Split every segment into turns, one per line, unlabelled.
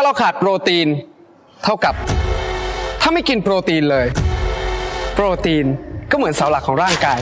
าเราขาดโปรตีนเท่ากับถ้าไม่กินโปรตีนเลยโปรตีนก็เหมือนเสาหลักของร่างกาย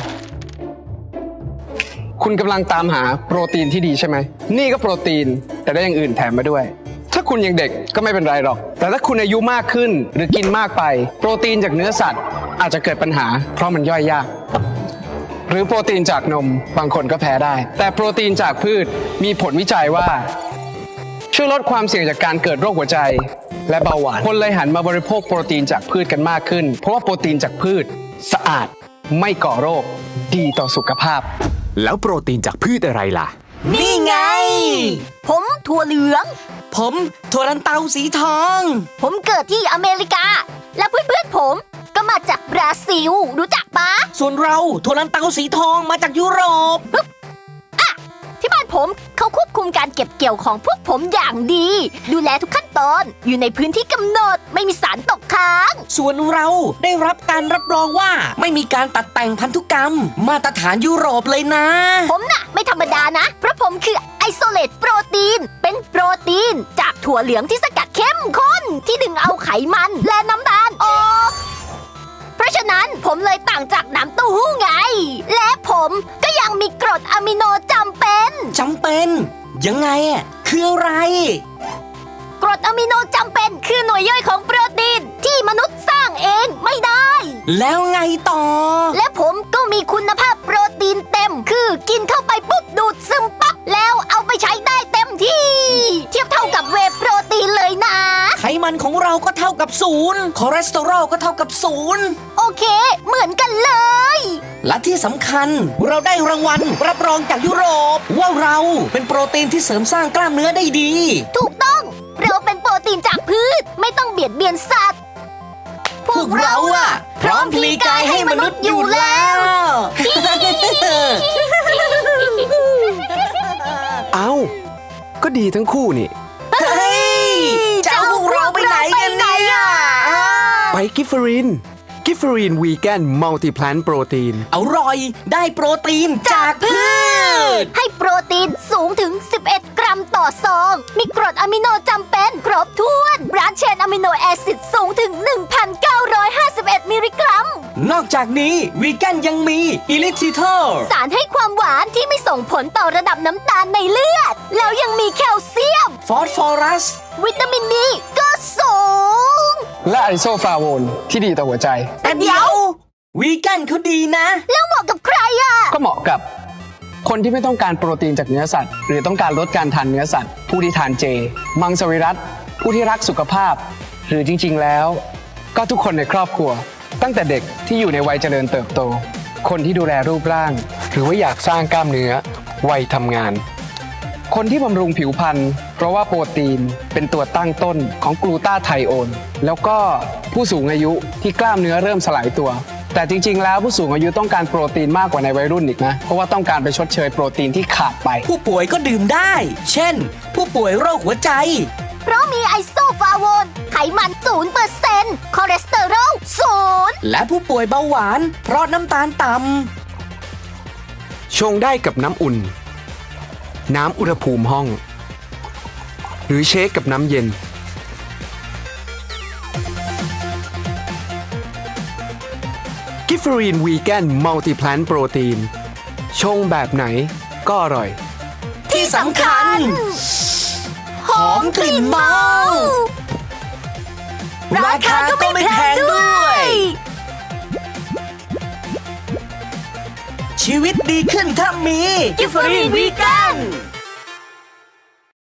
คุณกำลังตามหาโปรตีนที่ดีใช่ไหมนี่ก็โปรตีนแต่ได้อย่างอื่นแถมมาด้วยถ้าคุณยังเด็กก็ไม่เป็นไรหรอกแต่ถ้าคุณอายุมากขึ้นหรือกินมากไปโปรตีนจากเนื้อสัตว์อาจจะเกิดปัญหาเพราะมันย่อยยากหรือโปรตีนจากนมบางคนก็แพ้ได้แต่โปรตีนจากพืชมีผลวิจัยว่าช่วยลดความเสี่ยงจากการเกิดโรคหัวใจและเบาหวานคนเลยหันมาบริโภคโปรตีนจากพืชกันมากขึ้นเพราะว่าโปรตีนจากพืชสะอาดไม่ก่อโรคดีต่อสุขภาพ
แล้วโปรตีนจากพืชอะไรล่ะ
นี่ไงผมถั่วเหลือง
ผมถั่วลันเตาสีทอง
ผมเกิดที่อเมริกาและเพื่อนๆผมก็มาจากบราซิลรู้จักปะ
ส่วนเราถั่วลันเตาสีทองมาจากยุโรป
ที่บ้านผมเขาควบคุมการเก็บเกี่ยวของพวกผมอย่างดีดูแลทุกขั้นตอนอยู่ในพื้นที่กำหนดไม่มีสารตกค้าง
ส่วนเราได้รับการรับรองว่าไม่มีการตัดแต่งพันธุกรรมมาตรฐานยุโรปเลยนะ
ผมน่ะไม่ธรรมดานะเพราะผมคือไอโซเลตโปรตีนเป็นโปรตีนจากถั่วเหลืองที่สกัดเข้มข้นที่ดึงเอาไขมันและน้ำตาลออกเพราะฉะนั้นผมเลยต่างจากน้ำเต้าหู้ไงและผมก็ยังมีกรดอะมิโนจำเป็น
ยังไงอ่ะคืออะไร
กรดอะมิโนจำเป็นคือหน่วยย่อยของโปรตีนที่มนุษย์สร้างเองไม่ได้
แล้วไงต่อ
และผมก็มีคุณภาพโปรตีนเต็มคือกินเข้าไปปุ๊บดูดซึมปั๊บแล้วเอาไปใช้ได้เต็มที่เทียบเท่ากับเวย์โปรตีนเลยนะ
ไขมันของเราก็เท่ากับ0คอเลสเตอรอลก็เท่ากับ0
โอเคเหมือนกันเลย
และที่สำคัญเราได้รางวัลรับรองจากยุโรปว่าเราเป็นโปรตีนที่เสริมสร้างกล้ามเนื้อได้ดี
ถูกต้องเราเป็นโปรตีนจากพืชไม่ต้องเบียดเบียนสัตว์
พวกเราอะพร้อมพลีกายให้มนุษย์อยู่แล้ว
เอ้าก็ดีทั้งคู่นี่
เฮ้ยจะเอาพวกเราไปไหนกันเนี่ย
ไปกิฟเฟอรีนวีแกนมัลติแพลนโปรตีน
อร่อยได้โปรตีนจากพืช
ให้โปรตีนสูงถึง11 กรัมต่อซองมีกรดอะมิโนจำเป็นครบถ้วนบรานช์เชนอะมิโนแอซิดสูงถึง 1,951 มิลลิกรัม
นอกจากนี้วีแกนยังมีอิลิทิเทอร์
สารให้ความหวานที่ไม่ส่งผลต่อระดับน้ำตาลในเลือดแล้วยังมีแคลเซียม
ฟอสฟอรัส
วิตามินดีก็สูง
และไอโซฟลาโวนที่ดีต่อหัวใจ
แต่เดี๋ยววีแกนเขาดีนะ
แล้วเหมาะกับใครอ่ะ
ก็เหมาะกับคนที่ไม่ต้องการโปรตีนจากเนื้อสัตว์หรือต้องการลดการทานเนื้อสัตว์ผู้ที่ทานเจมังสวิรัติผู้ที่รักสุขภาพหรือจริงๆแล้วก็ทุกคนในครอบครัวตั้งแต่เด็กที่อยู่ในวัยเจริญเติบโตคนที่ดูแลรูปร่างหรือว่าอยากสร้างกล้ามเนื้อวัยทำงานคนที่บำรุงผิวพรรณเพราะว่าโปรตีนเป็นตัวตั้งต้นของกลูตาไทโอนแล้วก็ผู้สูงอายุที่กล้ามเนื้อเริ่มสลายตัวแต่จริงๆแล้วผู้สูงอายุต้องการโปรตีนมากกว่าในวัยรุ่นอีกนะเพราะว่าต้องการไปชดเชยโปรตีนที่ขาดไป
ผู้ป่วยก็ดื่มได้เช่นผู้ป่วยโรคหัวใจ
เพราะมีไอโซฟลาโวนไขมัน 0% คอเลสเตอรอล 0
และผู้ป่วยเบาหวานเพราะน้ำตาลต่ำ
ชงได้กับน้ำอุ่นน้ำอุณหภูมิห้องหรือเชคกับน้ำเย็นกิฟเฟอรีนวีแกนมัลติแพลนโปรตีนชงแบบไหนก็อร่อย
ที่สำคัญหอมกลิ่นเมาราคาก็ไม่แพงด้วยชีวิตดีขึ้นถ้ามีกิฟเฟอรีนวีแกน